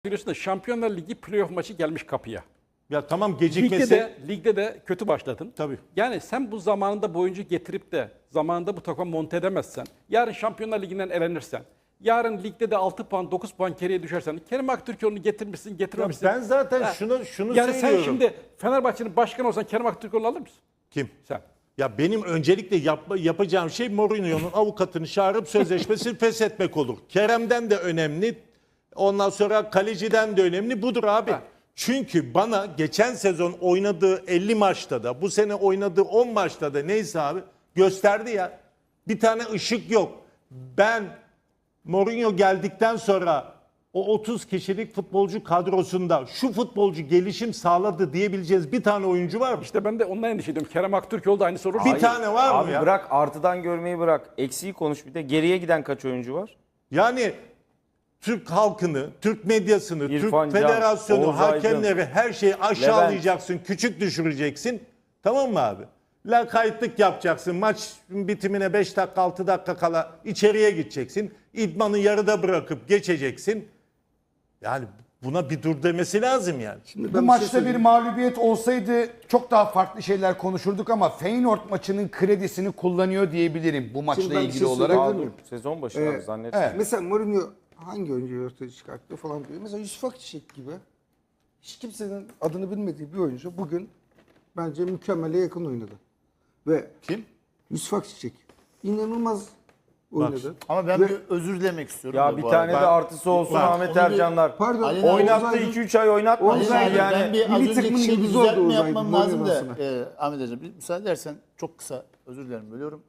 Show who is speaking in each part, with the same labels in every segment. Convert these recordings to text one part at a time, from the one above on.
Speaker 1: Biliyorsun da Şampiyonlar Ligi playoff maçı gelmiş kapıya.
Speaker 2: Ya tamam gecikmesi.
Speaker 1: Ligde de kötü başladın.
Speaker 2: Tabii.
Speaker 1: Yani sen bu zamanında oyuncu getirip de zamanında bu takım monte edemezsen, yarın Şampiyonlar Ligi'nden elenirsen, yarın ligde de 6 puan 9 puan geriye düşersen, Kerem Aktürkoğlu'nu getirmişsin getirmemişsin.
Speaker 2: Ben zaten
Speaker 1: Ha,
Speaker 2: şunu
Speaker 1: yani
Speaker 2: söylüyorum.
Speaker 1: sen şimdi Fenerbahçe'nin başkanı olsan Kerem Aktürkoğlu'nu alır mısın?
Speaker 2: Kim?
Speaker 1: Sen.
Speaker 2: Ya benim öncelikle yapacağım şey Mourinho'nun avukatını çağırıp sözleşmesini feshetmek olur. Kerem'den de önemli. Ondan sonra kaleciden de önemli budur abi.
Speaker 1: Ha.
Speaker 2: Çünkü bana geçen sezon oynadığı 50 maçta da bu sene oynadığı 10 maçta da neyse abi gösterdi ya. Bir tane ışık yok. Ben Mourinho geldikten sonra o 30 kişilik futbolcu kadrosunda şu futbolcu gelişim sağladı diyebileceğiz bir tane oyuncu var mı?
Speaker 1: İşte ben de ondan endişe ediyorum. Kerem Aktürkoğlu da aynı soru.
Speaker 2: Bir tane var mı
Speaker 3: Abi
Speaker 2: ya?
Speaker 3: bırak artıdan görmeyi bırak. Eksiği konuş bir de. Geriye giden kaç oyuncu var?
Speaker 2: Yani Türk halkını, Türk medyasını,
Speaker 3: İrfan
Speaker 2: Türk
Speaker 3: Can,
Speaker 2: federasyonu,
Speaker 3: Oğuz Aydın,
Speaker 2: hakemleri her şeyi aşağılayacaksın, küçük düşüreceksin. Tamam mı abi? Lakaytlık yapacaksın. Maç bitimine 5 dakika 6 dakika kala içeriye gideceksin. İdmanı yarıda bırakıp geçeceksin. Yani buna bir dur demesi lazım yani.
Speaker 4: Şimdi
Speaker 5: Bu maçta bir mağlubiyet olsaydı çok daha farklı şeyler konuşurduk ama Feyenoord maçının kredisini kullanıyor diyebilirim bu maçla
Speaker 4: Şimdi ben bir
Speaker 5: ilgili
Speaker 4: şey
Speaker 5: olarak.
Speaker 4: söyleyebilir miyim?
Speaker 3: Sezon başı abi zannetmiyorum.
Speaker 5: evet.
Speaker 4: Mesela Mourinho hangi oyuncuyu ortaya çıkarttı falan diyor. Mesela Yusuf Akçiçek gibi hiç kimsenin adını bilmediği bir oyuncu bugün bence mükemmele yakın oynadı. Ve
Speaker 2: Kim?
Speaker 4: Yusuf Akçiçek inanılmaz oynadı.
Speaker 6: Ama ben
Speaker 4: Ve-
Speaker 6: bir özür dilemek istiyorum.
Speaker 3: Ya
Speaker 6: da
Speaker 3: bir
Speaker 6: bu
Speaker 3: tane de
Speaker 6: arada.
Speaker 3: artısı olsun
Speaker 6: Bak,
Speaker 3: Ahmet
Speaker 6: onu bir-
Speaker 3: Ercanlar.
Speaker 4: Pardon.
Speaker 6: Ali
Speaker 3: Oynattı
Speaker 4: Oğuz Aydın-
Speaker 3: 2-3 ay oynatmadı.
Speaker 4: Oğuz
Speaker 6: Ali
Speaker 4: Aydın,
Speaker 6: abi,
Speaker 3: Yani
Speaker 6: ben bir az
Speaker 4: milli
Speaker 6: önceki
Speaker 4: takımın
Speaker 6: şeyi
Speaker 4: yıldızı oldu
Speaker 6: düzeltme
Speaker 4: Oğuz Aydın,
Speaker 6: yapmam
Speaker 4: bu
Speaker 6: lazım da
Speaker 4: oynamasına.
Speaker 6: Ahmet Hocam bir müsaade edersen çok kısa özür dilerim bölüyorum.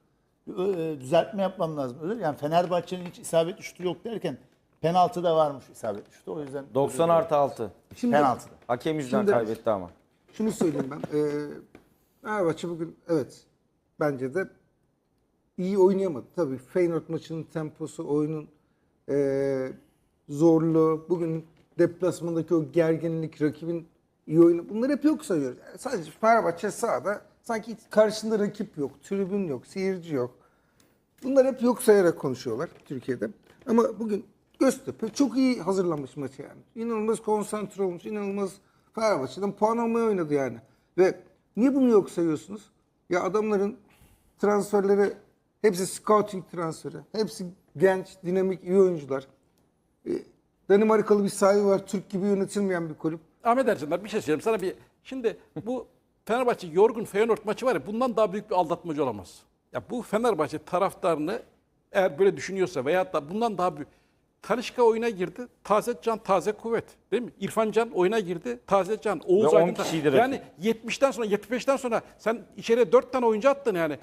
Speaker 6: Düzeltme yapmam lazım. Yani Fenerbahçe'nin hiç isabetli şutu yok derken penaltı da varmış isabetli şutu. O yüzden
Speaker 3: 90+6.
Speaker 4: Şimdi
Speaker 6: penaltıda.
Speaker 3: Hakem yüzünden
Speaker 4: Şimdi-
Speaker 3: kaybetti ama.
Speaker 4: şunu söyleyeyim ben. Fenerbahçe bugün evet bence de iyi oynayamadı. Tabii Feyenoord maçının temposu, oyunun zorluğu, bugün deplasmandaki o gerginlik, rakibin iyi oyunu bunları hep yok sayıyoruz. Yani sadece Fenerbahçe sahada sanki karşısında rakip yok, tribün yok, seyirci yok. Bunlar hep yok sayarak konuşuyorlar Türkiye'de. Ama bugün Göztepe çok iyi hazırlanmış maçı yani. İnanılmaz konsantre olmuş, inanılmaz Fenerbahçe'den puan almaya oynadı yani. Ve niye bunu yok sayıyorsunuz? Ya adamların transferleri hepsi scouting transferi. Hepsi genç, dinamik, iyi oyuncular. Danimarkalı bir sahibi var. Türk gibi yönetilmeyen bir kulüp.
Speaker 1: Ahmet Ercanlar bir şey söyleyeyim sana bir. Şimdi bu Fenerbahçe yorgun Feyenoord maçı var ya bundan daha büyük bir aldatmacı olamaz. Ya bu Fenerbahçe taraftarını eğer böyle düşünüyorsa veyahut da bundan daha büyük. Talisca oyuna girdi. Taze can, taze kuvvet. Değil mi? İrfan Can oyuna girdi. Taze can. Oğuz
Speaker 3: Ve 10
Speaker 1: Aydın.
Speaker 3: kişiydi
Speaker 1: Yani
Speaker 3: rakip.
Speaker 1: 70'ten sonra 75'ten sonra sen içeriye 4 tane oyuncu attın yani.